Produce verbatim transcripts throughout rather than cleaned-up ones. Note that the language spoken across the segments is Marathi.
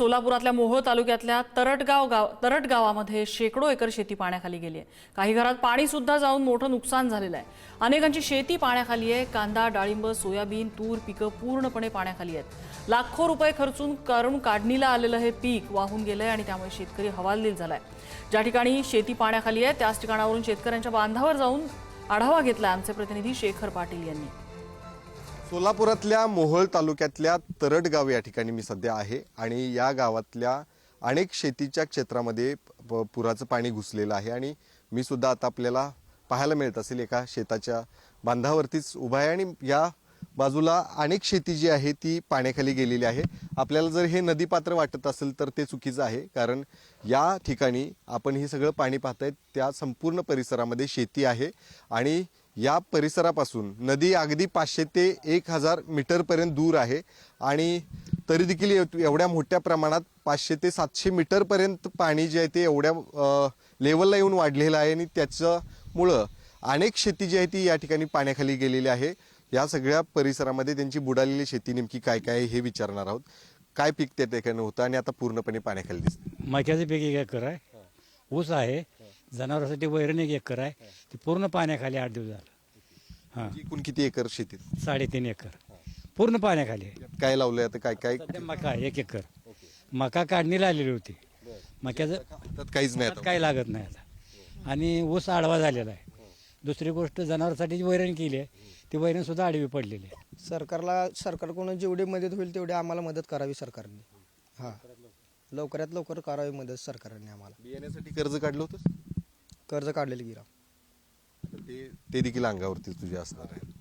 सोलापुरातल्या मोहोळ तालुक्यातल्या तरटगाव गाव तरट गावामध्ये शेकडो एकर शेती पाण्याखाली गेली आहे। काही घरात पाणी सुद्धा जाऊन मोठं नुकसान झालेलं आहे। अनेकांची शेती पाण्याखाली आहे। कांदा, डाळिंब, सोयाबीन, तूर पिकं पूर्णपणे पाण्याखाली आहेत। लाखो रुपये खर्चून करून काढणीला आलेलं हे पीक वाहून गेलंय आणि त्यामुळे शेतकरी हवालदिल झालाय। ज्या ठिकाणी शेती पाण्याखाली आहे त्याच ठिकाणावरून शेतकऱ्यांच्या बांधावर जाऊन आढावा घेतला आमचे प्रतिनिधी शेखर पाटील यांनी। सोलापुरातल्या मोहोळ तालुक्यातल्या तरट गाव या ठिकाणी मी सध्या आहे आणि या गावातल्या अनेक शेतीच्या क्षेत्रामध्ये पुराचं पाणी घुसलेलं आहे आणि मी सुद्धा आता आपल्याला पाहायला मिळत असेल एका शेताच्या बांधावरतीच उभा आहे आणि या बाजूला अनेक शेती जी आहे ती पाण्याखाली गेलेली आहे। आपल्याला जर हे नदीपात्र वाटत असेल तर ते चुकीचं आहे, कारण या ठिकाणी आपण हे सगळं पाणी पाहताय त्या संपूर्ण परिसरामध्ये शेती आहे आणि या परिसरापासून नदी अगदी पाचशे ते एक हजार मीटर पर्यंत दूर आहे आणि तरी देखील एवढ्या मोठ्या प्रमाणात पाचशे ते सातशे मीटर पर्यंत पाणी जे आहे ते एवढ्या लेवलला येऊन वाढलेलं आहे आणि त्याच्यामुळं अनेक शेती जी आहे ती या ठिकाणी पाण्याखाली गेलेली आहे। या सगळ्या परिसरामध्ये त्यांची बुडालेली शेती नेमकी काय काय आहे हे विचारणार आहोत। काय पीक त्या ठिकाणी होतं आणि आता पूर्णपणे पाण्याखाली दिसतं? मक्याचं पीक एक एकर आहे, ऊस आहे, जनावरांसाठी वैरण एक एकर आहे, ते पूर्ण पाण्याखाली आठ दिवस झालं। हां, एकूण किती एकर शेतीत? साडेतीन एकर पूर्ण पाण्याखाली आहे। काय लावलंय आता? काय काय सध्या मका एक एकर मका काढणीला आलेली होती। मक्याचं त्यात काहीच नाही आता? काय लागत नाही आता आणि ऊस आडवा झालेला आहे। दुसरी गोष्ट जनावरांसाठी जी वैरण केली आहे ती वैरण सुद्धा आडवी पडलेली आहे। सरकारला सरकारकडून जेवढी मदत होईल तेवढी आम्हाला मदत करावी सरकारने। हां, लवकरात लवकर करावी मदत सरकारने आम्हाला। बियाण्यासाठी कर्ज काढलं होतं? कर्ज काढलेलं गिरा ते ते देखील अंगावरती तुझे असणार आहे।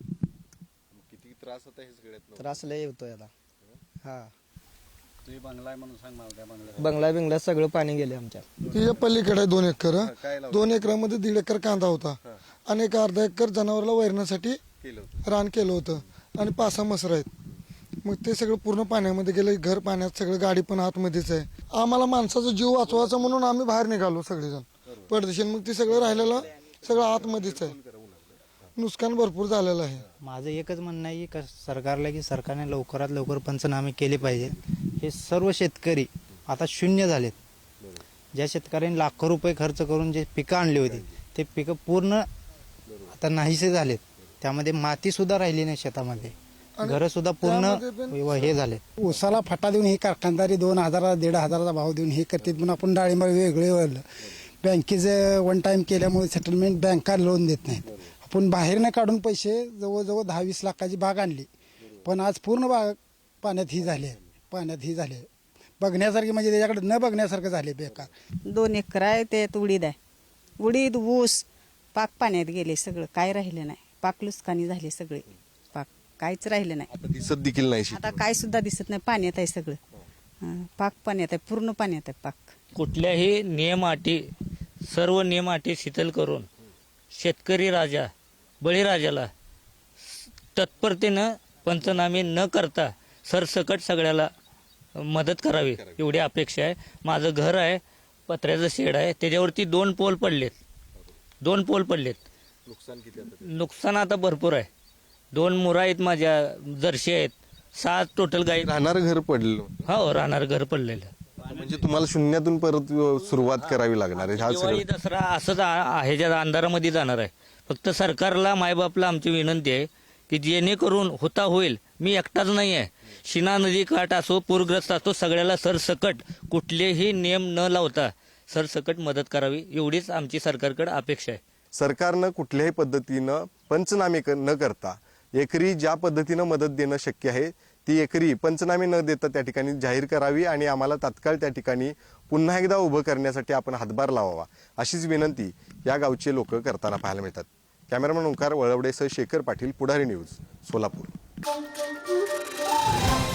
किती त्रास होता हे सगळ्यात? त्रास लय होतोय आता। हां, तुझी बंगला आहे म्हणून सांग मला, त्या बंगला बंगला बिंगला सगळं पाणी गेले आमच्या। तिच्या पलीकडे दोन एकर दोन एकरामध्ये दीड एकर कांदा होता आणि एक अर्धा एकर जनावरला वैरण्यासाठी रान केलं होतं आणि पाच सहा मसर आहेत। मग ते सगळं पूर्ण पाण्यामध्ये गेलं, घर पाण्यात, सगळं गाडी पण आतमध्येच आहे। आम्हाला माणसाचा जीव वाचवायचा म्हणून आम्ही बाहेर निघालो सगळेजण परदेशात। मग ते सगळं राहिलेलं सगळं आतमध्येच आहे, नुकसान भरपूर झालेलं आहे। माझं एकच म्हणणं आहे की सरकारला की सरकारने लवकरात लवकर पंचनामे केले पाहिजे। हे सर्व शेतकरी आता शून्य झालेत। ज्या शेतकऱ्यांनी लाखो रुपये खर्च करून जे पिकं आणली होती ते पिकं पूर्ण आता नाहीसे झालेत। त्यामध्ये माती सुद्धा राहिली नाही शेतामध्ये, घर सुद्धा पूर्ण हे झाले। उसाला फटा देऊन ही कारखानदारी दोन हजारा दीड हजाराचा भाव देऊन हे करतात, पण आपण डाळिंब वेगळे वळलं। बँकेचे वन टाइम केल्यामुळे सेटलमेंट बँका लोन देत नाहीत। आपण बाहेरनं काढून पैसे जवळजवळ दहा वीस लाखाची बाग आणली, पण आज पूर्ण बाग पाण्यात ही झाली पाण्यात ही झाली बघण्यासारखी, म्हणजे त्याच्याकडे न बघण्यासारखं झाले बेकार। दोन एकर आहे ते उडीद आहे, उडीद ऊस पाक पाण्यात गेले, सगळं काय राहिलं नाही। पाक लुस्कानी झाले सगळे, पाक काहीच राहिलं नाही। आता दिसत देखील नाही शेती? आता काय सुद्धा दिसत नाही, पाण्यात आहे सगळं। हं, पाक पाण्यात आहे, पूर्ण पाण्यात आहे पाक। कुठल्याही नियम अटी सर्व नियम अटी शिथिल करून शेतकरी राजा बळीराजाला तत्परतेनं पंचनामे न करता सरसकट सगळ्याला मदत करावी एवढी अपेक्षा आहे। माझं घर आहे, पत्र्याचं शेड आहे, त्याच्यावरती दोन पोल पडलेत दोन पोल पडलेत नुकसान किती? नुकसान आता भरपूर आहे। दोन मुरा आहेत माझ्या, जर्शी आहेत, सात टोटल गाई। राहणार घर पडलं? हो, राहणार घर पडलेलं। म्हणजे तुम्हाला शून्यातून परत सुरुवात करावी लागणार आहे? हा दिवाळी दसरा असंच आहे, ज्या अंधारामध्ये जाणार आहे। फक्त सरकारला मायबापला आमची विनंती आहे की जेणेकरून होता होईल, मी एकटाच नाही आहे, शिना नदी काठ असो, पूरग्रस्त असो, सगळ्याला सरसकट कुठलेही नियम न लावता सरसकट मदत करावी एवढीच आमची सरकारकडे अपेक्षा आहे। सरकारनं कुठल्याही पद्धतीनं पंचनामे न करता एकरी ज्या पद्धतीनं मदत देणं शक्य आहे ती एकरी पंचनामे न देता त्या ठिकाणी जाहीर करावी आणि आम्हाला तात्काळ त्या ठिकाणी पुन्हा एकदा उभं करण्यासाठी आपण हातभार लावावा अशीच विनंती या गावचे लोक करताना पाहायला मिळतात। कॅमेरामन ओंकार वळवडेसह शेखर पाटील, पुढारी न्यूज, सोलापूर।